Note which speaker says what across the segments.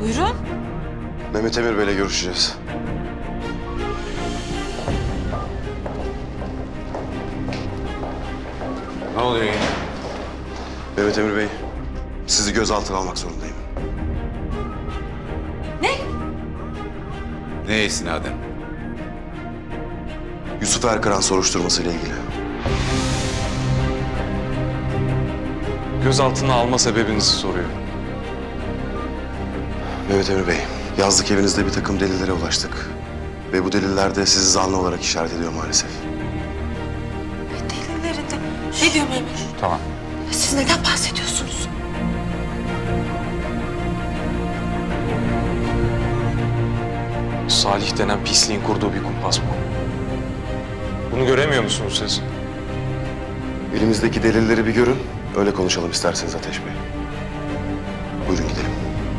Speaker 1: Buyurun.
Speaker 2: Mehmet Emir Bey'le görüşeceğiz.
Speaker 3: Ne oluyor yine?
Speaker 2: Mehmet Emir Bey, sizi gözaltına almak zorundayım.
Speaker 1: Ne?
Speaker 3: Neye istinaden?
Speaker 2: Yusuf Erkaran soruşturmasıyla ilgili.
Speaker 4: Gözaltına alma sebebinizi soruyor.
Speaker 2: Mehmet Emir Bey, yazlık evinizde bir takım delillere ulaştık. Ve bu deliller de sizi zanlı olarak işaret ediyor maalesef.
Speaker 1: Delilleri de. Ne diyor Memur?
Speaker 3: Tamam.
Speaker 1: Siz neden bahsediyorsunuz?
Speaker 4: Salih denen pisliğin kurduğu bir kumpas bu. Bunu göremiyor musunuz siz?
Speaker 2: Elimizdeki delilleri bir görün, öyle konuşalım isterseniz Ateş Bey. Buyurun gidelim.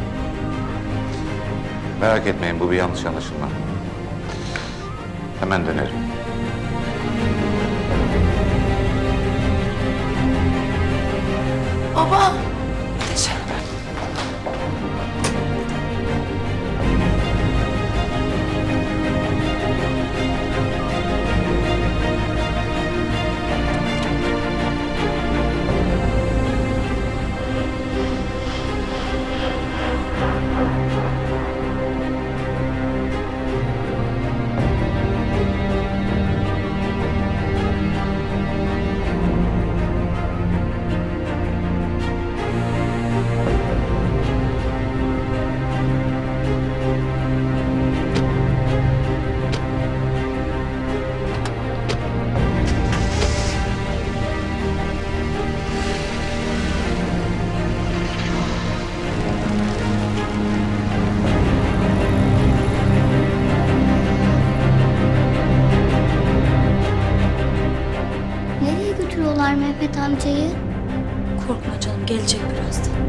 Speaker 3: Merak etmeyin, bu bir yanlış anlaşılma. Hemen dönerim.
Speaker 1: Baba.
Speaker 5: Nereye götürüyorlar Mehmet amcayı?
Speaker 1: Korkma canım, gelecek birazdan.